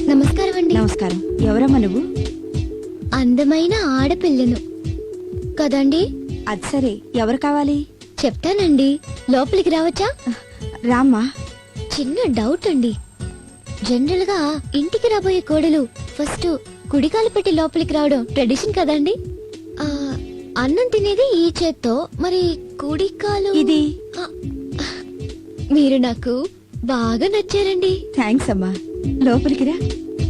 నమస్కారం అండి. నమస్కారం. ఎవరమ్మా నువ్వు? అందమైన ఆడపిల్లను కదండి. అది సరే, ఎవరు కావాలి? చెప్తానండి, లోపలికి రావచ్చా? రామ్మా. చిన్న డౌట్ అండి. జనరల్ గా ఇంటికి రాబోయే కోడలు ఫస్ట్ కుడికాలు పెట్టి లోపలికి రావడం ట్రెడిషన్ కదండి. అన్నం తినేది ఈ చేత్తో, మరి కుడికాలు ఇది. మీరు నాకు బాగా నచ్చారండి. థ్యాంక్స్ అమ్మా. లోపలికి రా.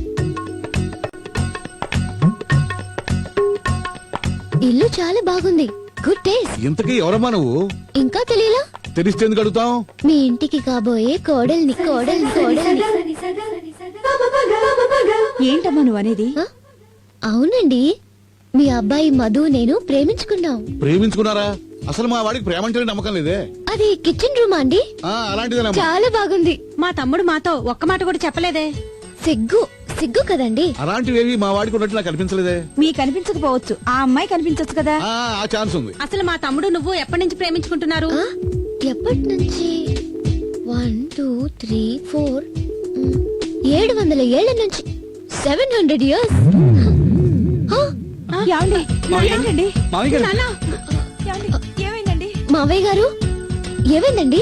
ఇల్లు చాలా బాగుంది. Good taste. ఇంతకీ ఎవరమ్మా నువ్వు? ఇంకా తెలియలా? తెలిస్తే ఎందుకు అడుగుతాం? మీ ఇంటికి కాబోయే కోడల్ని. ఏంటమ్మా నువ్వు అనేది? అవునండి, మీ అబ్బాయి మధు నేను ప్రేమించుకున్నాం. ప్రేమించుకున్నారా? అసలు మా వాడికి ప్రేమ అంటే నమ్మకం లేదే. అది కిచెన్ రూమ్ అండి. అలాంటిదేనమ్మా. చాలా బాగుంది. మా తమ్ముడు మాతో ఒక్క మాట కూడా చెప్పలేదే. సిగ్గు కదండి. అలాంటివేవి మా వాడికి ఉన్నట్టు నాకు అనిపించలేదే. మీకు కనిపించకపోవచ్చు, ఆ అమ్మాయి కనిపించచ్చు కదా. ఆ ఛాన్స్ ఉంది. అసలు మా తమ్ముడు నువ్వు ఎప్పటి నుంచి ప్రేమించుకుంటున్నారు? ఎప్పటి నుంచి? 1 2 3 4 700 ఏళ్ల నుంచి. 700 years. ఏమండి? ఏంటండి? నాన్న, ఏమండి? ఏమైందండి? మావయ్య గారు, ఏమైందండి?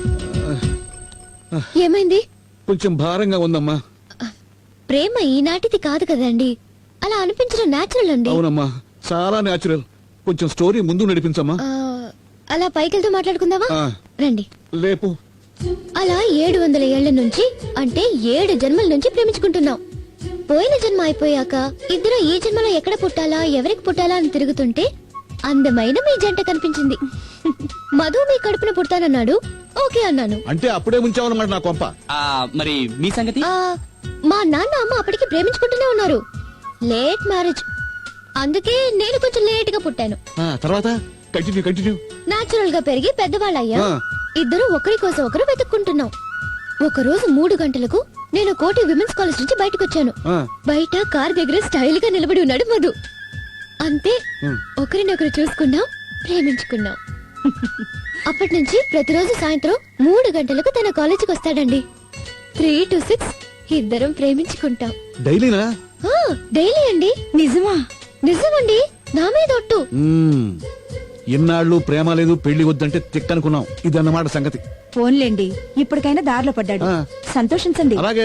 ఏమైంది? కొంచెం భారంగా ఉందమ్మా. ప్రేమ ఈనాటిది కాదు కదండి, అలా అనిపించడం నేచురల్ అండి. అవునమ్మా, చాలా నేచురల్. కొంచెం స్టోరీ ముందు నడిపించమ్మా. అలా పైకెళ్తూ మాట్లాడుకుందామా? రండి. లేపు. అలా 700 ఏళ్ల నుంచి, అంటే 7 జన్మల నుంచి ప్రేమించుకుంటున్నాం. పోయిన జన్మ అయిపోయాక ఇద్దరు ఈ జన్మలో ఎక్కడ పుట్టాలా, ఎవరికి పుట్టాలా అని తిరుగుతుంటే అందమైన మీ జంట కనిపించింది. మధు మీ కడుపున పుడతానన్నాడు. ఓకే అన్నాను. అంటే అప్పుడే ముంచావన్నమాట నా కొంప. మరి మీ సంగతి? మా నాన్న అమ్మ అప్పటికి ప్రేమించుకుంటూనే ఉన్నారు. లేట్ మ్యారేజ్, అందుకే నేను కొంచెం లేట్ గా పుట్టాను. తర్వాత కంటిన్యూ. నాచురల్ గా పెరిగి పెద్దవాళ్ళయ్యా. ఇద్దరు ఒకరి కోసం ఒకరు వెతుక్కుంటున్నాం. ఒక రోజు 3 గంటలకు నేను కోటి విమెన్స్ కాలేజ్ నుంచి బయటకు వచ్చాను. బయట కార్ దగ్గర స్టైల్ గా నిలబడి ఉన్నాడు మధు. అంతే, ఒకరినొకరు చూసుకున్నాం, ప్రేమించుకున్నాం. అప్పటి నుంచి ప్రతిరోజు సాయంత్రం 3 గంటలకు తన కాలేజీకి వస్తాడండి. 3 to 6 ఇద్దరం ప్రేమించుకుంటాం. డైలీనా? డైలీ అండి. నిజమా? నిజమండి, నా మీద ఒట్టు. ఎన్నాళ్ళు ప్రేమ లేదు, పెళ్లి వద్దంటే తిక్కనుకున్నాం. ఇదన్నమాట సంగతి. ఫోన్లేండి, ఇప్పటికైనా దారిలో పడ్డాడు. సంతోషించండి. అలాగే.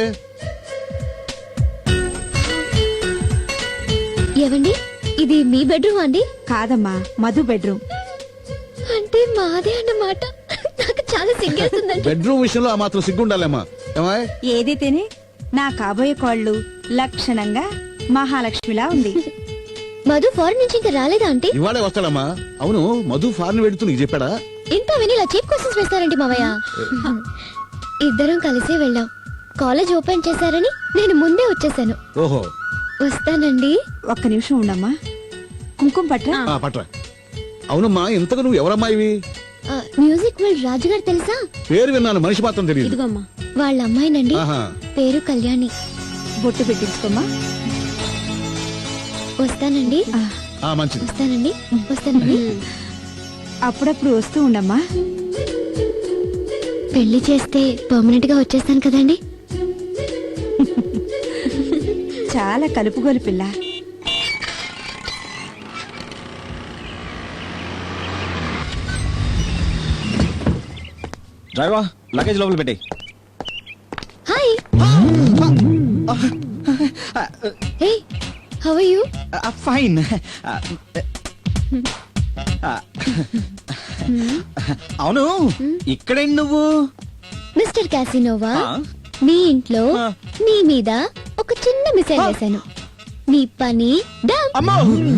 ఏవండి, ఇది మీ బెడ్రూమ్ అండి? కాదమ్మా, మధు బెడ్రూమ్. అంటే మాదే అన్నమాట. నాకు చాలా సిగ్గేస్తుందండి. బెడ్రూమ్ విషయంలో ఆ మాత్రం సిగ్గుండాలేమ్మా. ఏదైతేనే నా కాబోయే కోళ్ళు లక్షణంగా మహాలక్ష్మిలా ఉంది. మధు ఫారెన్ నుంచి ఇంకా రాలేదా ఆంటీ? ఇవాళే వస్తాడమ్మా. అవును, మధు ఫారెన్ వెడుతూ నీకు చెప్పాడా? ఇంత విని ఇలా చీప్ క్వశ్చన్స్ వేస్తారండి మావయ్య. ఇద్దరం కలిసి వెళ్ళాం. కాలేజ్ ఓపెన్ చేశారని నేను ముందే వచ్చేసాను. ఓహో, వస్తానండి. ఒక్క నిమిషం ఉండమ్మా. కుంకుమ పట్రా. పట్రా. అవునమ్మా, ఇంతకు నువ్వు ఎవరమ్మా ఇవి? మ్యూజిక్ వరల్డ్ రాజు గారు తెలుసా? పేరు విన్నాను, మనిషి మాత్రం తెలియదు. ఇదిగోమ్మా. వాళ్ళ అమ్మాయినండి. పేరు కళ్యాణి. బొట్టు పెట్టించుకోమ్మా. వస్తానండి. మంచిది. వస్తానండి. అప్పుడప్పుడు వస్తూ ఉండమ్మా. పెళ్లి చేస్తే పర్మనెంట్ గా వచ్చేస్తాను కదండి. చాలా కలుపుగోలు పిల్ల. డ్రైవర్, లగేజ్ లోపల పెట్టే. Hi. Hey, how are you? Fine. అవును, ఇక్కడేంటి నువ్వు? మిస్టర్ క్యాసినోవా, మీ ఇంట్లో నీ మీద ఒక చిన్న మిసైల్ వేశాను. మీ పని డన్. అమ్మో,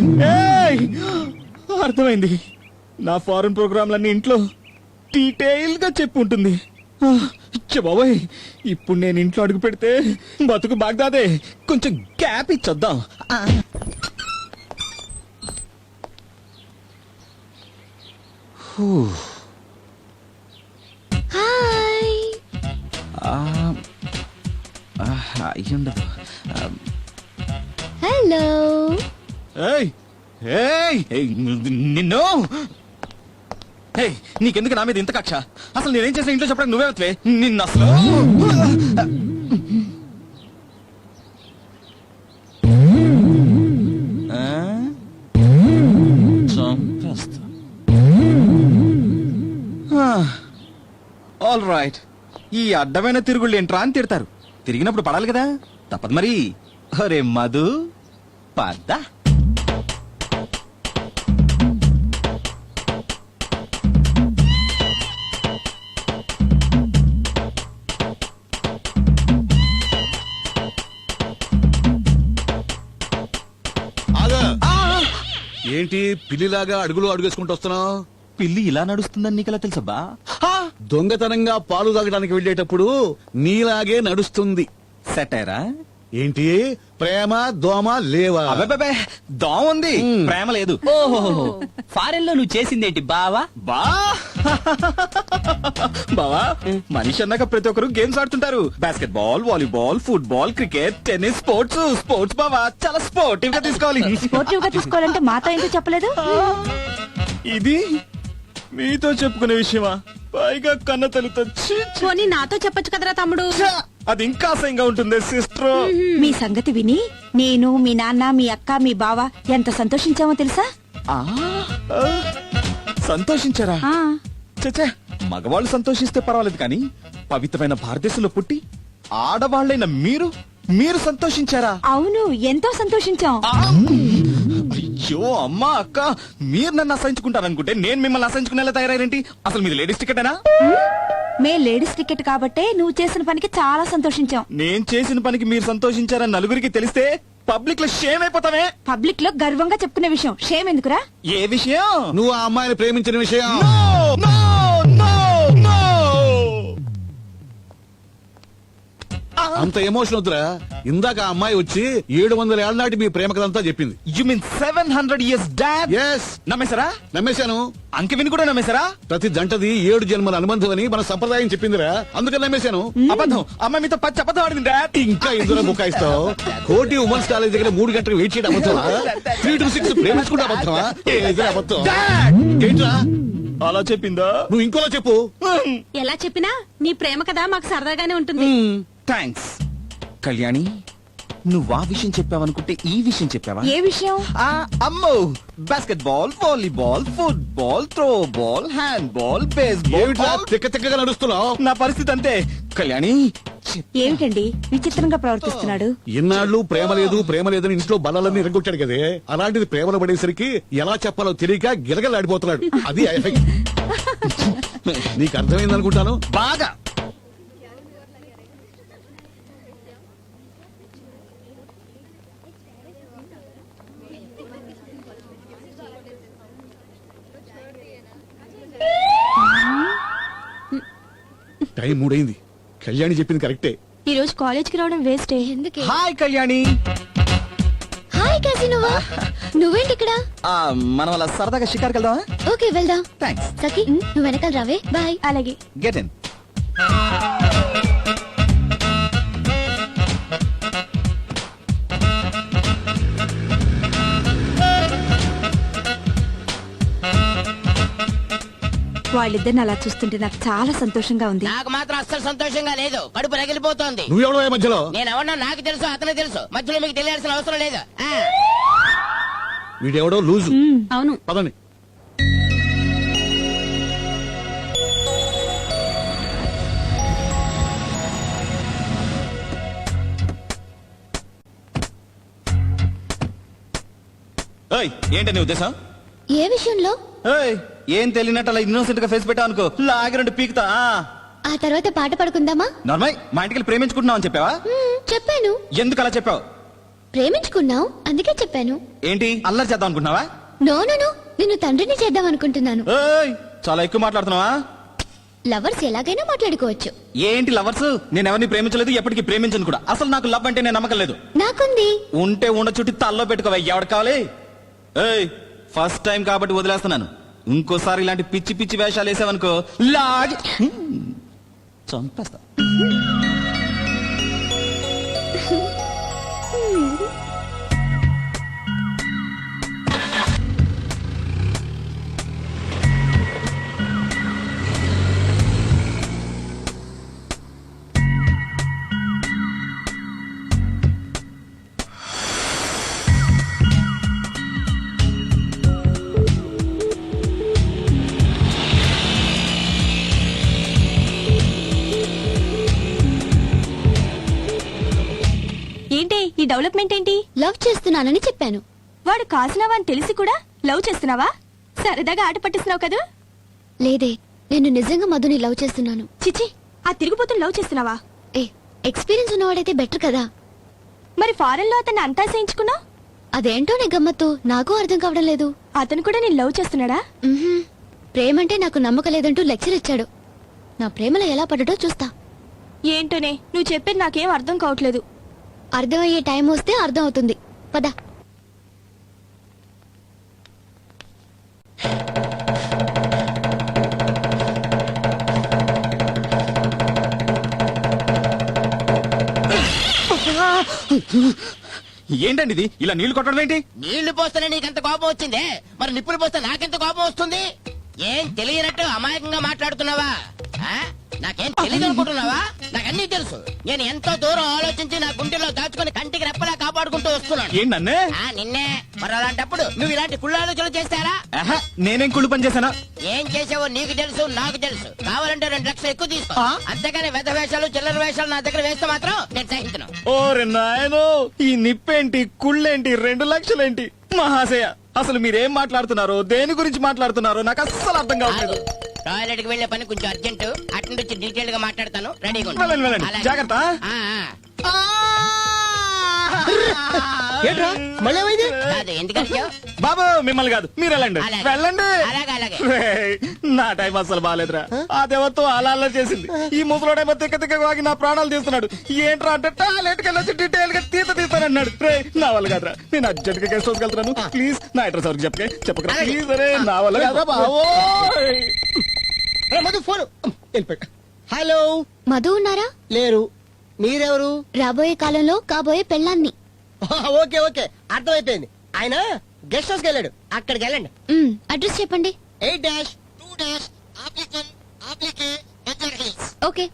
అర్థమైంది. నా ఫారెన్ ప్రోగ్రాంలన్నీ ఇంట్లో డీటెయిల్ గా చెప్పి ఉంటుంది. బాబాయ్, ఇప్పుడు నేను ఇంట్లో అడుగు పెడితే బతుకు బాగ్దాదే. కొంచెం గ్యాప్ ఇచ్చొద్దాం. హాయ్. అయ్యుండదు. హలో. నిన్ను నీకెందుకు నా మీద ఇంత కక్ష? అసలు నేనేం చేసిన ఇంట్లో చెప్పడానికి నువ్వే వత్వే. నిన్ను అసలు ఆల్ రైట్. ఈ అడ్డమైన తిరుగుళ్ళు ఏంట్రా అని తిడతారు. తిరిగినప్పుడు పడాలి కదా, తప్పదు మరి. అరే మధు పద. ఆగా. ఏంటి పిల్లిలాగా అడుగులు అడుగేసుకుంటూ వస్తున్నావు? పిల్లి ఇలా నడుస్తుందని నీకెలా తెలుసబ్బా? దొంగతనంగా పాలు తాగడానికి వెళ్ళేటప్పుడు నీలాగే నడుస్తుంది. సెటైరా? ఏంటి ప్రేమ దోమ లేవా? అబ్బే దోమ ఉంది, ప్రేమ లేదు. ఓహో ఫారెన్ లో నువ్వు చేసిందేంటి బావా? బా బావా, మనిషి అన్నాక ప్రతి ఒక్కరు గేమ్స్ ఆడుతుంటారు. Basketball, volleyball, football, cricket, tennis, sports బావా చాలా స్పోర్టివ్ గా తీసుకోవాలి. స్పోర్టివ్ గా తీసుకోవాలంటే మాతో ఎందుకు చెప్పలేదు? ఇది మీతో చెప్పుకునే విషయమా? పైగా కన్న తల్లితో ఛీ, ఛీ. పోనీ నాతో చెప్పొచ్చు కదరా తమ్ముడు. అది ఇంకా అసహ్యంగా ఉంటుంది సిస్టర్. మీ సంగతి విని నేను, మీ నాన్న, మీ అక్క, మీ బావ ఎంత సంతోషించామో తెలుసా? సంతోషించారా? ఆ చచ్చా, మగవాళ్ళు సంతోషిస్తే పర్వాలేదు కానీ పవిత్రమైన భారతదేశంలో పుట్టి ఆడవాళ్ళైన మీరు సంతోషించారా? అవును, ఎంతో సంతోషించాం. అయ్యో అమ్మా అక్క, మీరు నన్ను అసహించుకుంటారనుకుంటే నేను మిమ్మల్ని అసహించుకునేలా తయారైరేంటి? అసలు మీది లేడీస్ టికెటేనా? మే లేడీస్ టికెట్ కాబట్టే నువ్వు చేసిన పనికి చాలా సంతోషించాం. నేను చేసిన పనికి మీరు సంతోషించారని నలుగురికి తెలిస్తే పబ్లిక్ లో షేమ్ అయిపోతామే. పబ్లిక్ లో గర్వంగా చెప్పుకునే విషయం షేమ్ ఎందుకురా? ఏ విషయం? నువ్వు ఆ అమ్మాయిని ప్రేమించిన విషయం. No, no, no. అంత ఎమోషన్ వద్దురా. ఇందాక ఆ అమ్మాయి వచ్చి 700 ఏళ్ల నాటి మీ ప్రేమ కథంతా చెప్పింది. You mean 700 years dad? Yes, నమ్మేశారా? నమ్మేశాను. అంకె విని కూడా నమ్మేశారా? ప్రతి జంటది 7 జన్మల అనుబంధం అని మన సంప్రదాయం చెప్పిందిరా, అందుకని నమ్మేశాను. అబద్ధం. అమ్మాయి మీతో పచ్చి అబద్ధం ఆడింది డాడ్. ఇంకా ఇందులో బుకాయిస్తావు? కోటి ఉమెన్స్ కాలేజ్ దగ్గర 3 గంటలు వెయిట్ చేయడం అబద్ధమా? 3 to 6 ప్రేమించుకుంటే అబద్ధమా? ఏది అబద్ధం? ఏంట్రా అలా చెప్పిందా? నువ్వు ఇంకోలా చెప్పు. ఎలా చెప్పినా నీ ప్రేమ కదా మాకు సరదాగానే ఉంటుంది. థ్యాంక్స్ కళ్యాణి. నువ్వు ఆ విషయం చెప్పావనుకుంటే ఈ విషయం చెప్పావా? ఏ విషయం? అమ్మో, basketball, volleyball, football, throwball, handball, base ఏమిట్రా బాల్. తిక్క తిక్కగా నడుస్తున్నావు? నా పరిస్థితి అంతే కళ్యాణి. ఏమిటండి విచిత్రంగా ప్రవర్తిస్తున్నాడు? ఇన్నాళ్ళు ప్రేమ లేదని ఇంట్లో బలాలన్నీ ఎరగొట్టాడు కదే, అలాంటిది ప్రేమలో పడేసరికి ఎలా చెప్పాలో తెలియక గిలగలాడిపోతున్నాడు. అది ఎఫెక్ట్. నీకు అర్థమైంది అనుకుంటాను. బాగా టైం 3 అయింది. కళ్యాణి చెప్పింది కరెక్టే. ఈ రోజు కాలేజ్ కి రావడం వేస్టే. ఎందుకే? హాయ్ కళ్యాణి. హాయ్ కాశీ, నువ్వేంటి ఇక్కడ? మనం అలా సరదాగా షికార్కి వెళ్దామా? ఓకే వెళ్దాం. థ్యాంక్స్. సఖి నువ్వు వెనకాల రావే. బాయ్. అలాగే. Get in. వాళ్ళిద్దరిని అలా చూస్తుంటే నాకు చాలా సంతోషంగా ఉంది. నాకు మాత్రం అస్సలు సంతోషంగా లేదు. కడుపు రగిలిపోతోంది. నువ్వెవడో మధ్యలో? నేను ఎవరన్నా నాకు తెలుసు, అతనే తెలుసు. మధ్యలో మీకు తెలియాల్సిన అవసరం లేదు. వీడెవడో లూజు. అవును. పదండి. ఏంటి నీ ఉద్దేశం? ఏ విషయంలో? ఏం తెలియనట్టు అలా ఇన్నోసెంట్ గా ఫేస్ పెట్టావు అనుకో, లాగి 2 పీకుతా. ఆ తర్వాత పాట పడుకుందామా? నార్మల్ మా ఇంటికి ప్రేమించుకుంటున్నావు అని చెప్పావా? చెప్పాను. ఎందుకు అలా చెప్పావు? ప్రేమించుకున్నావు అందుకే చెప్పాను. ఏంటి అల్లరి చేద్దాం అనుకుంటున్నావా? నో నో నో, నిన్ను తండ్రిని చేద్దాం అనుకుంటున్నాను. చాలా ఎక్కువ మాట్లాడుతున్నావా? లవర్స్ ఎలాగైనా మాట్లాడుకోవచ్చు. ఏంటి లవర్స్? నేను ఎవరిని ప్రేమించలేదు, ఎప్పటికీ ప్రేమించను కూడా. అసలు నాకు లవ్ అంటే నేను నమ్మకం లేదు. నాకుంది. ఉంటే ఉండ చుట్టి తల్లో పెట్టుకోవా. ఎవడు కావాలి? ఫస్ట్ టైం కాబట్టి వదిలేస్తున్నాను. ఇంకోసారి ఇలాంటి పిచ్చి పిచ్చి వేషాలు వేసావనుకో లాగి చంపేస్తా. ఈ డెవలప్మెంట్ ఏంటి? లవ్ చేస్తున్నానని చెప్పాను. వాడు కాసినవా అని తెలిసి కూడా లవ్ చేస్తున్నావా? సరదాగా ఆట పట్టిస్తున్నావు కదా? లేదే, నేను నిజంగా మధుని లవ్ చేస్తున్నాను. చిచి, ఆ తిరుగుబోతుని లవ్ చేస్తున్నావా? ఏ, ఎక్స్పీరియన్స్ ఉన్నవాడైతే బెటర్ కదా. మరి ఫారెన్ లో అతన్ని అంతా చేయించుకున్నావు? అదేంటోనే గమ్మత్తు, నాకు అర్థం కావడం లేదు. అతను కూడా నేను లవ్ చేస్తున్నాడా? మ్హూ. ప్రేమంటే నాకు నమ్మకం లేదంటూ లెక్చర్ ఇచ్చాడు. నా ప్రేమలో ఎలా పడ్డటో చూస్తా. ఏంటోనే, నువ్వు చెప్పేది నాకేం అర్థం కావట్లేదు. అర్థమయ్యే టైం వస్తే అర్థం అవుతుంది. పద. ఏంటండి ఇది ఇలా నీళ్లు కొట్టడం ఏంటి? నీళ్లు పోస్తేనే నీకెంత కోపం వచ్చిందే, మరి నిప్పులు పోస్తే నాకెంత కోపం వస్తుంది? ఏం తెలియనట్టు అమాయకంగా మాట్లాడుతున్నావా? ఆ? నాకేం తెలియదు అనుకుంటున్నావా? నాకన్నీ తెలుసు. నేను ఎంతో దూరం ఆలోచించి నా గుండెలో దాచుకుని కంటికి రెప్పలా కాపాడుకుంటూ వస్తున్నాను. ఏంటి నన్నే? నిన్నే. మరి అలాంటప్పుడు నువ్వు ఇలాంటి కుళ్ళు ఆలోచనలు చేస్తారా? ఆహా, నేనేం కుళ్ళు పని చేశానా? ఏం చేసావో నీకు తెలుసు, నాకు తెలుసు. కావాలంటే 2 లక్షలు ఎక్కువ తీసుకో. అంతేగాని వెధ వేషాలు చిల్లర వేషాలు నా దగ్గర వేస్తే మాత్రం నేను సహించను. ఓరే నాయనో, ఈ నిప్పేంటి, కుళ్ళేంటి, 2 లక్షలేంటి? మహాశయ, అసలు మీరేం మాట్లాడుతున్నారో, దేని గురించి మాట్లాడుతున్నారో నాకు అస్సలు అర్థం కావట్లేదు. టాయిలెట్ కి వెళ్లే పని కొంచెం అర్జెంట్. అటు నుంచి వచ్చి డీటెయిల్ గా మాట్లాడతాను. రెడీగా ఉండు. వెళ్ళండి, వెళ్ళండి. అలాగే. జాగ్రత్త. ఏంట్రా మళ్ళీ ఏమైంది? కాదు, ఎందుకంటే బాబు మిమ్మల్ని కాదు, మీరు వెళ్ళండి. అలాగే. వెళ్ళండి. అలాగే, అలాగే. రేయ్, నా టైం అసలు బాగాలేదురా. ఆ దేవతో అలా అలా చేసింది. ఈ ముసలోడేమో తిక్క తిక్క వాగి నా ప్రాణాలు తీస్తున్నాడు. ఏంట్రా అంటే టాయిలెట్ కి వెళ్ళొచ్చి డీటెయిల్ గా తీస్తానన్నాడు. రే, నా వల్ల కాదురా, నేను అర్జెంట్ గా గెస్ట్ హౌస్ వెళ్తున్నాను. ప్లీజ్ నా అడ్రస్ ఎవరికి చెప్పకరా ప్లీజ్. అరే, నా వల్ల కాదురా బావోయ్. రే, మధు ఫోన్ వెళ్ళిపోయా. హలో, మధు ఉన్నారా? లేరు. మీరెవరు? రాబోయే కాలంలో కాబోయే పెళ్ళాన్ని. ఓకే ఓకే, అర్థమైపోయింది. ఆయన గెస్ట్ హౌస్ కి వెళ్ళాడు, అక్కడికి వెళ్ళండి. అడ్రస్ చెప్పండి. 8-2-2-1 ఓకే.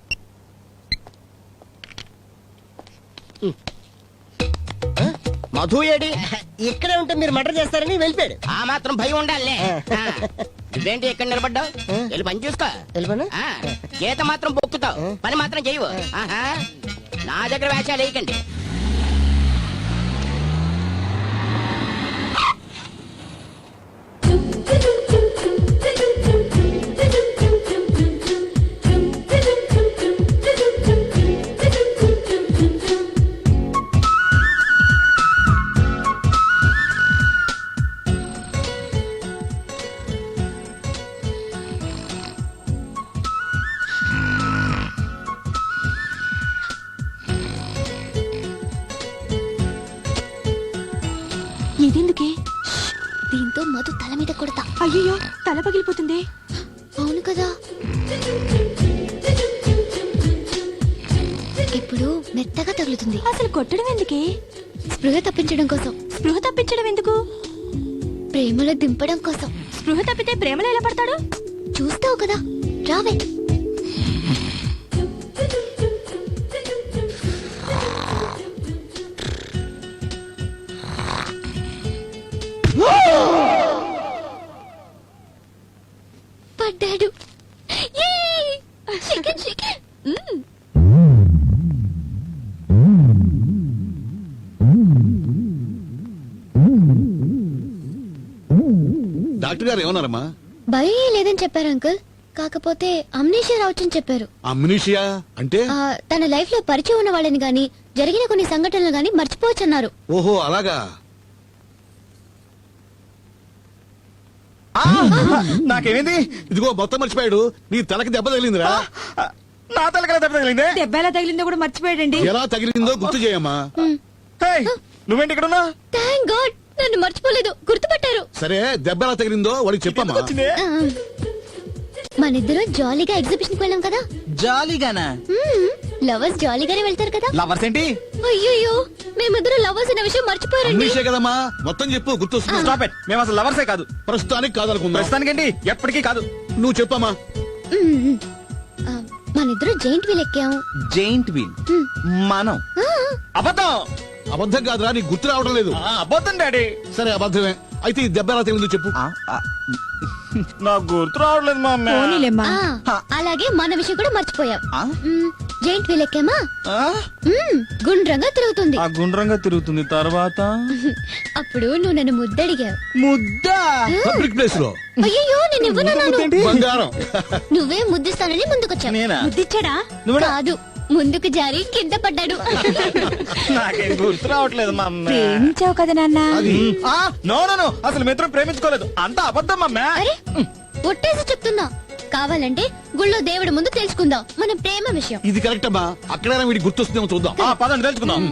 మధు ఏడి? ఇక్కడే ఉంటే మీరు మర్డర్ చేస్తారని వెళ్ళిపోయాడు. ఆ మాత్రం భయం ఉండాలి. నువ్వేంటి ఇక్కడ నిలబడ్డావు? వెళ్ళి పని చూసుకో. వెళ్ళిపోనా? ఆ, గీత మాత్రం బొక్కుతావు, పని మాత్రం చేయవు. ఆహా, నా దగ్గర వేషాలు వేయకండి. ఇదెందుకే? దీంతో మధు తల మీద కొడతా. అయ్యో, తల పగిలిపోతుంది. అవును కదా. ఇప్పుడు మెత్తగా తగులుతుంది. అసలు కొట్టడం ఎందుకే? స్పృహ తప్పించడం కోసం. స్పృహ తప్పించడం ఎందుకు? ప్రేమలో దింపడం కోసం. స్పృహ తప్పితే ప్రేమలో ఎలా పడతాడు? చూస్తావు కదా, రావే. పడ్డాడు. Yay! Chicken, chicken. డాక్టర్ గారు ఏమన్నారమ్మా? భయం లేదని చెప్పారు అంకుల్. కాకపోతే అమ్నీషియా రావచ్చని చెప్పారు. అమ్నీషియా అంటే? తన లైఫ్ లో పరిచయం ఉన్న వాళ్ళని గాని జరిగిన కొన్ని సంఘటనలు గాని మర్చిపోవచ్చన్నారు. ఓహో, అలాగా. నాకేమైంది? ఇదిగో మొత్తం మర్చిపోయాడు. నీ తలకి దెబ్బ తగిలిందిరా. నా తలకల దెబ్బ తగిలిందే. దెబ్బ ఎలా తగిలిందో కూడా మర్చిపోయాడండి. ఎలా తగిలిందో గుర్తు చేయమ్మా. హేయ్, నువ్వేంటి ఇక్కడ ఉన్నా? థ్యాంక్ గాడ్, నన్ను మర్చిపోలేదు, గుర్తుపట్టారు. సరే, దెబ్బ ఎలా తగిలిందో వాడికి చెప్పమ్మా. వచ్చిందే. మనిద్దరం జాలీగా ఎగ్జిబిషన్ కి వెళ్ళాం కదా. జాలీగానా? లవర్స్ జాలీగానే వెళ్తారు కదా. లవర్స్ ఏంటి? అయ్యో, మేమిద్దరం లవర్స్ అనే విషయం మర్చిపోయారండి. అమ్నీషియా కదమ్మా, మొత్తం చెప్పు, గుర్తొస్తుంది. స్టాప్ ఇట్, మేము అసలు లవర్సే కాదు. ప్రస్తుతానికి కాదనుకుందా? ప్రస్తుతానికేంటి, ఎప్పటికీ కాదు. నువ్వు చెప్పమ్మా. మనిద్దరం జైంట్ వీల్ ఎక్కాం. Giant wheel. మనం అబద్ధం. అబద్ధం కాదురా, నీకు గుర్తు రావడం లేదు. అబద్ధం డాడీ. సరే, అబద్ధమే. అయితే ఈ దెబ్బ ఎలా తగిలిందో చెప్పు. నాకు గుర్తు రావట్లేదు మా అమ్మ. పోనీలేమ్మా. అలాగే మన విషయం కూడా మర్చిపోయాం. ఆ? జైంట్ వీల్ ఎక్కామా ఆ? గుండ్రంగా తిరుగుతుంది ఆ గుండ్రంగా తిరుగుతుంది తర్వాత అప్పుడు నువ్వు నన్ను ముద్దడిగావు ముద్దా పబ్లిక్ ప్లేస్ లో అయ్యో నేను ఇవ్వనన్నాను బంగారం. నువ్వే ముద్దిస్తానని ముందుకొచ్చావు నేనా ముద్దిచ్చాడా కాదు ముందుకు జారి కింద పడ్డాడు నాకేం గుర్తు రావట్లేదు మా అమ్మ. ప్రేమించావు కదా నాన్న ఆ, నో నో నో అసలు మిత్రం ప్రేమించుకోలేదు అంత అబద్ధం అమ్మా అరే ఒట్టేసి చెప్తున్నా కావాలంటే గుళ్ళో దేవుడి ముందు తెలుసుకుందాం మన ప్రేమ విషయం ఇది కరెక్ట్ అమ్మా అక్కడ వీడికి గుర్తొస్తుందేమో చూద్దాం పదండి తెలుసుకుందాం